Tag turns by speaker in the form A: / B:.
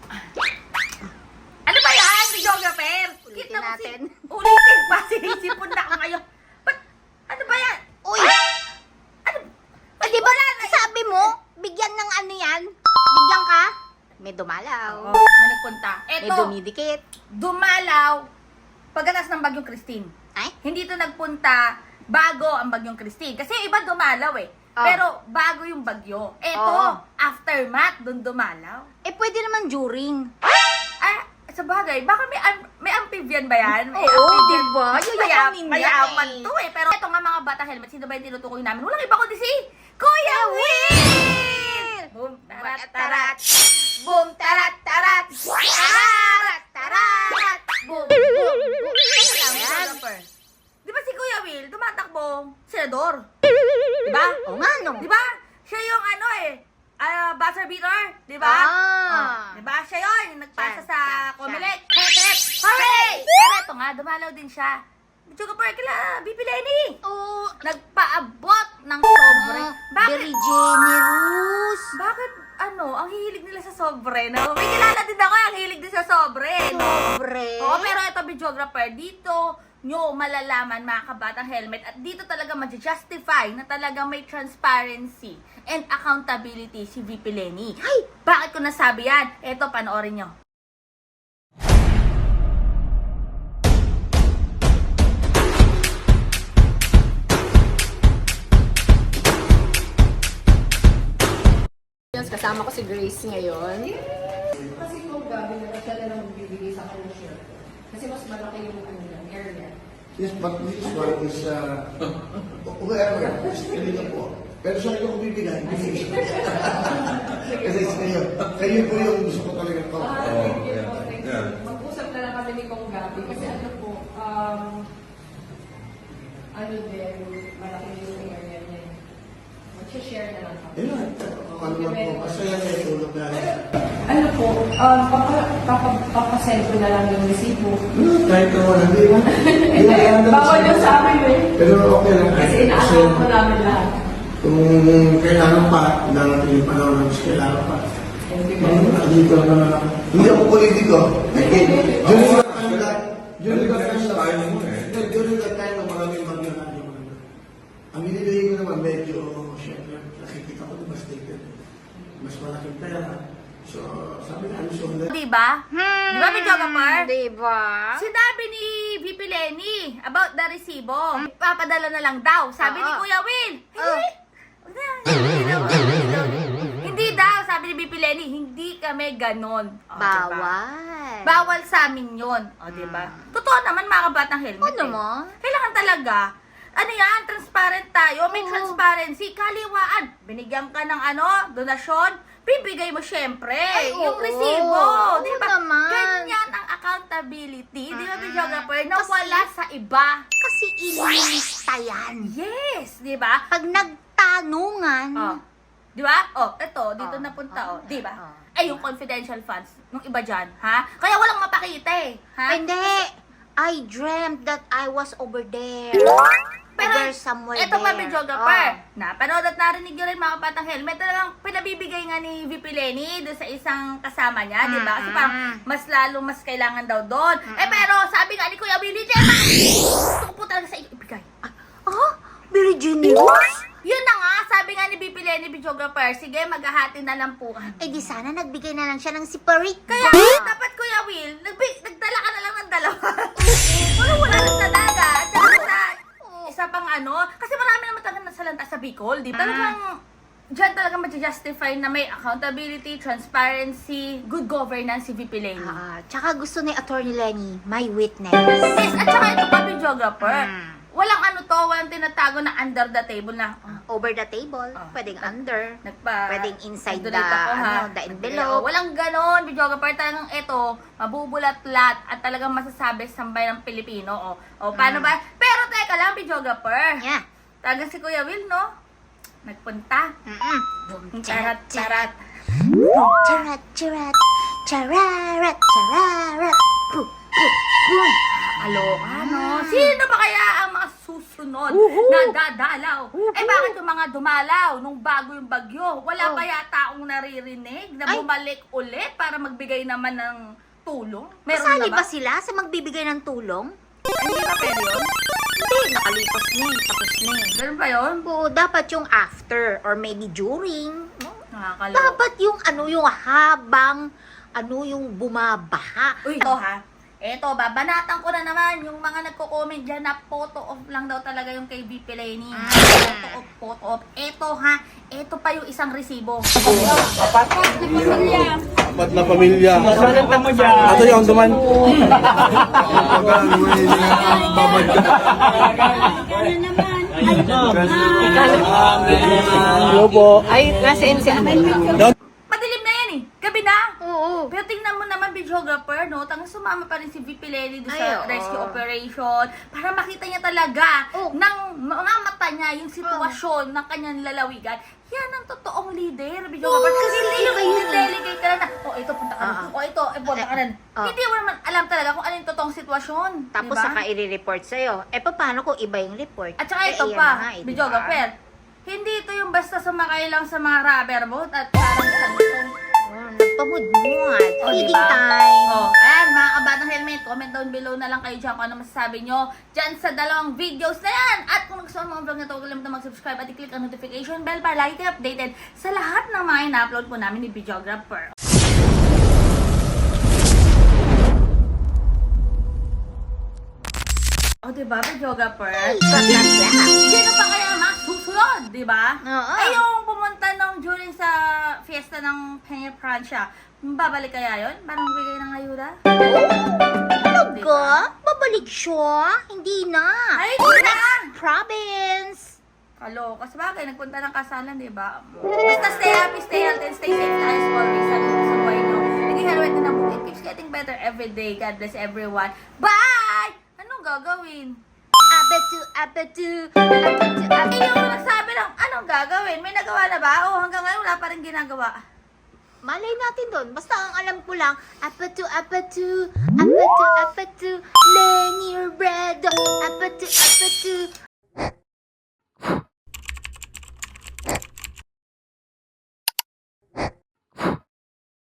A: Ano ba yan, videographer?
B: Ulitin natin.
A: Ulitin pa, sinisipon na ako ngayon. Ba't, ano ba yan?
B: Uy!
A: Ano?
B: Di ba sabi mo, bigyan ng ano yan? Bigyan ka? May dumalaw.
A: Oo, may nagpunta.
B: May
A: Eto,
B: dumidikit.
A: dumalaw pagkatas ng Bagyong Christine.
B: Ay?
A: Hindi to nagpunta bago ang Bagyong Christine. Kasi yung iba dumalaw eh.
B: Oh.
A: Pero bago yung bagyo. Eto,
B: Oo.
A: aftermath, dun dumalaw.
B: Eh, pwede naman during.
A: Ah, sa bagay, baka may amphibian ba yan? May
B: Oo,
A: amphibian.
B: diba? Yayamin yan
A: Mayaman
B: eh.
A: to eh. Pero eto nga mga bata helmet, sino ba yung tinutukoy namin? Walang iba kundi si Kuya Will! Boom, tarat, tarat. Boom, tarat, tarat. Tarat, tarat. Boom, boom, boom.
B: Ayan.
A: Di ba si Kuya Will, tumatakbong senador? Di ba?
B: Oo nga, no?
A: Di ba? Siya yung ano eh, buzzer beater, di ba?
B: Ah.
A: Di ba? Siya yun, yung nagpasa
B: Siya,
A: sa
B: siya,
A: Comelec. Hooray! Pero ito nga, dumalaw din siya. Chuka Park, kila BP Lenny.
B: Oo.
A: Nagpaabot ng sobre. Bakit?
B: Very generous.
A: Bakit, ang hihilig nila sa sobre, no? May kilala din ako, ang hilig din sa sobre, no?
B: Sobre.
A: Oo, pero ito, videographer, dito nyo malalaman mga kabatang helmet at dito talaga ma-justify na talaga may transparency and accountability si VP Lenny.
B: Ay!
A: Bakit ko nasabi yan? Eto, panoorin nyo.
C: Kasama ko si Grace ngayon.
D: Kasi kung gabi na siya na lang bibigay sa kanya siya. Kasi mas malaki yung ano yan, area.
E: Yes, but this one is, whoever, kanina po. Pero sa inyo ko bibigay. Kasi sa kayo, kayo po yung gusto ko talaga to.
D: Thank you po, thank you. Mag-usap na lang kami ni Kong Gabi. Kasi ano po, ano din, malaki yung area niya. Mag-share na lang kami.
E: Ayun, ano lang po, masaya na yung tulog na.
D: Ano po, papasend ko na lang yung resibo.
E: Kahit na wala, hindi ba?
D: Bawal yung sa amin eh.
E: Pero okay lang.
D: Kasi ina-account ko namin lahat.
E: Kung kailangan pa, darating yung panahon na mas kailangan pa. Dito na, hindi ako politiko. During the time na maraming maglalagay mo naman. Ang binibigay ko naman, medyo, syempre, nakikita ko mas taken. Mas malaking pera. So, sabi na, so,
A: Diba? Di ba, videographer?
B: Diba?
A: Sinabi ni VP Lenny about the resibo. Papadala na lang daw. Sabi ni
B: Oo.
A: Kuya Will.
B: Oo.
A: Hindi daw, sabi ni VP Lenny, hindi kami ganon. O, diba?
B: Bawal.
A: Bawal sa amin yun. O, diba? Totoo naman, mga kabatang helmet.
B: Ano
A: eh.
B: mo?
A: Kailangan talaga, ano yan, transparent tayo. May
B: Oo.
A: transparency, kaliwaan. Binigyan ka ng donasyon, bibigay mo syempre.
B: Ay,
A: yung
B: oo.
A: resibo.
B: Oo
A: Diba?
B: naman.
A: Ganyan ang accountability. Di ba, videographer? Na
B: Kasi-
A: wala sa iba.
B: Kasi ililista yan.
A: Yes, di ba?
B: Pag nagtanungan,
A: Oh. Di ba? Oh, eto, dito
B: Oh.
A: napunta, oh. Di ba?
B: Oh.
A: Ay, yung confidential funds, nung iba dyan, ha? Kaya walang mapakita eh, ha?
B: hindi. I dreamt that I was over there.
A: Pero,
B: over somewhere
A: eto pa,
B: there.
A: videographer.
B: Oh.
A: Napanood at narinig nyo rin mga patang helmet. Talagang pinabibigay nga ni VP Lenny doon sa isang kasama niya, di ba? Kasi parang mas kailangan daw doon. Eh, pero sabi nga ni Kuya Willie, Gemma, gusto ko po talaga sa iyo ibigay.
B: Oh, very generous.
A: Yun na nga, sabi nga ni VP Lenny, videographer, sige, maghahati na lang po kami.
B: Eh di sana nagbigay na lang siya ng siparit.
A: Kaya dapat Kuya Will, nagdala ka na lang ng dalawa. Wala lang sa dagat. Tsaka sa isa pang kasi marami naman talaga nasalanta sa Bicol, di ba? Talagang, dyan talaga ma-justify na may accountability, transparency, good governance si VP Lenny.
B: Tsaka gusto ni Attorney Lenny, my witness.
A: Yes, at saka ito pa, videographer. Walang walang tinatago na under the table na,
B: Over the table,
A: Oh.
B: pwedeng under.
A: nagpa...
B: Pwedeng inside
A: nagdonate
B: the,
A: ako, ha?
B: the envelope.
A: Walang ganon, videographer. Talagang ito, mabubulat-lat at talagang masasabi sa sambayan ng Pilipino. Paano ba? Pero teka lang, videographer.
B: Yeah.
A: Talagang si Kuya Will, no? Nagpunta. Charat, charat.
B: Charat, charat, chararat, chararat.
A: Aloka, no? Sino ba kaya ang mga susunod sunod na dadalaw. Eh bakit yung mga dumalaw nung bago yung bagyo? Wala pa yata akong naririnig na bumalik ulit para magbigay naman ng tulong? Meron
B: Kasali
A: na
B: ba sila sa magbibigay ng tulong?
A: Hindi ba pwede yun?
B: Hindi, nakalipas na eh. Tapos na eh.
A: Ganun ba yun?
B: Oo, dapat yung after or maybe during. No?
A: Nakakaloka.
B: Dapat yung yung habang yung bumabaha.
A: Uy, ito ha. Eto, babanatan ko na naman yung mga nagko-comment dyan na photo off lang daw talaga yung kay VP Lenny. Photo off. Eto ha, eto pa yung isang resibo.
E: Apat na pamilya. Ito yung duman. Babad ka. Hello po.
C: Ay, nasa NCR.
A: Madilim na yan eh. Gabi na.
B: Oo.
A: Pero tingnan mo naman, videographer, no? Tangang sumama pa rin si VP Lenny doon
B: Ay,
A: sa
B: oo.
A: rescue operation para makita niya talaga
B: Oo.
A: ng mga mata niya yung sitwasyon ng kanyang lalawigan. Yan ang totoong leader, videographer. Kasi hindi yung delegate ka na, ito, punta ka na. Ito, punta ka na. Hindi mo naman alam talaga kung ano yung totoong sitwasyon.
B: Tapos
A: diba?
B: saka i-report sa'yo. Paano kung iba yung report?
A: At saka ito
B: ayan
A: pa,
B: na nga, diba?
A: videographer. Hindi ito yung basta sumakay lang sa mga rubber boat at parang
B: Nagpamudmud.
A: Oh,
B: Feeding
A: diba?
B: time.
A: Ayan, mga kabatang helmet, comment down below na lang kayo dyan kung ano masasabi nyo dyan sa dalawang videos na yan. At kung gusto mo ang vlog na ito, huwag kalimutan mag-subscribe at i-click ang notification bell para lagi kayo updated sa lahat ng mga ina-upload po namin ni Videographer. Diba, Videographer? Sino pa kaya masusunod, diba?
B: Oo.
A: Ay, yung pumunta nung during sa fiesta ng Peña Francia, babalik kaya yun? Parang bigay ng ayuda?
B: Talaga? Babalik siya? Hindi na.
A: Ay, hindi na!
B: Province.
A: Kaloka. Sabagay, nagpunta ng kasalan, di ba? Basta stay happy, stay healthy, and stay safe as always. Sabi ko sa buhay nyo. Naging helmet na book. It keeps getting better every day. God bless everyone. Bye! Anong gagawin?
B: Abetu.
A: Eh, yung nagsabi lang, anong gagawin? May nagawa na ba? O hanggang ngayon wala pa rin ginagawa.
B: Malay natin doon. Basta ang alam ko lang, apetu. Lenny bread. Apetu.